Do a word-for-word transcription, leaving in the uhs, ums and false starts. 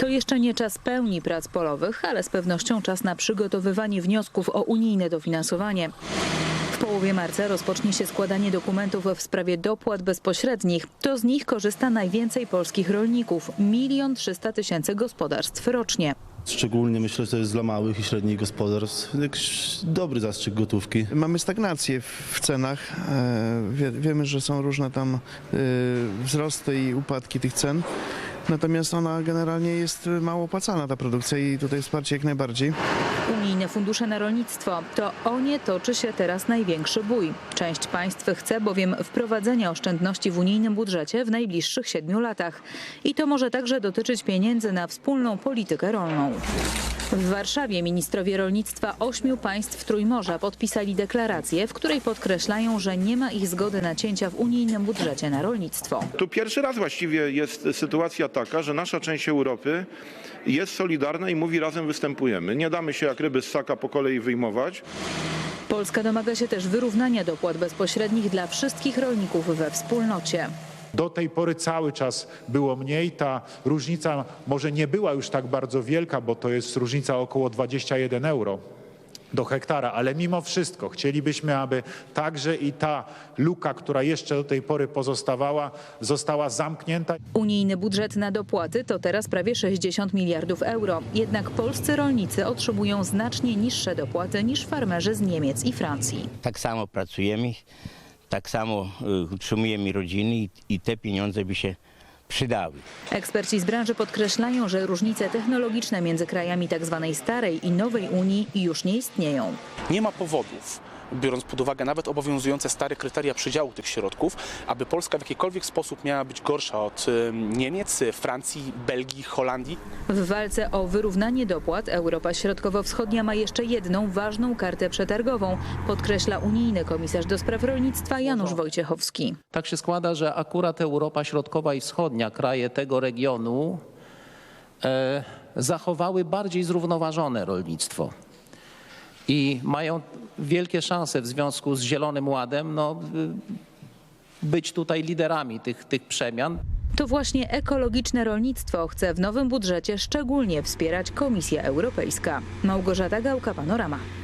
To jeszcze nie czas pełni prac polowych, ale z pewnością czas na przygotowywanie wniosków o unijne dofinansowanie. W połowie marca rozpocznie się składanie dokumentów w sprawie dopłat bezpośrednich. To z nich korzysta najwięcej polskich rolników – milion trzysta tysięcy gospodarstw rocznie. Szczególnie myślę, że to jest dla małych i średnich gospodarstw jakiś dobry zastrzyk gotówki. Mamy stagnację w cenach. Wie, wiemy, że są różne tam wzrosty i upadki tych cen. Natomiast ona generalnie jest mało opłacalna, ta produkcja, i tutaj wsparcie jak najbardziej. Unijne fundusze na rolnictwo – to o nie toczy się teraz największy bój. Część państw chce bowiem wprowadzenia oszczędności w unijnym budżecie w najbliższych siedmiu latach. I to może także dotyczyć pieniędzy na wspólną politykę rolną. W Warszawie ministrowie rolnictwa ośmiu państw Trójmorza podpisali deklarację, w której podkreślają, że nie ma ich zgody na cięcia w unijnym budżecie na rolnictwo. Tu pierwszy raz właściwie jest sytuacja taka, że nasza część Europy jest solidarna i mówi: razem występujemy. Nie damy się jak ryby z ssaka po kolei wyjmować. Polska domaga się też wyrównania dopłat bezpośrednich dla wszystkich rolników we wspólnocie. Do tej pory cały czas było mniej. Ta różnica może nie była już tak bardzo wielka, bo to jest różnica około dwadzieścia jeden euro do hektara, ale mimo wszystko chcielibyśmy, aby także i ta luka, która jeszcze do tej pory pozostawała, została zamknięta. Unijny budżet na dopłaty to teraz prawie sześćdziesiąt miliardów euro. Jednak polscy rolnicy otrzymują znacznie niższe dopłaty niż farmerzy z Niemiec i Francji. Tak samo pracujemy, tak samo utrzymujemy rodziny i, i te pieniądze by się przydały. Eksperci z branży podkreślają, że różnice technologiczne między krajami tzw. starej i nowej Unii już nie istnieją. Nie ma powodów, biorąc pod uwagę nawet obowiązujące stare kryteria przydziału tych środków, aby Polska w jakikolwiek sposób miała być gorsza od Niemiec, Francji, Belgii, Holandii. W walce o wyrównanie dopłat Europa Środkowo-Wschodnia ma jeszcze jedną ważną kartę przetargową, podkreśla unijny komisarz do spraw rolnictwa Janusz Wojciechowski. Tak się składa, że akurat Europa Środkowa i Wschodnia, kraje tego regionu e, zachowały bardziej zrównoważone rolnictwo. I mają wielkie szanse w związku z Zielonym Ładem no, być tutaj liderami tych, tych przemian. To właśnie ekologiczne rolnictwo chce w nowym budżecie szczególnie wspierać Komisja Europejska. Małgorzata Gałka, Panorama.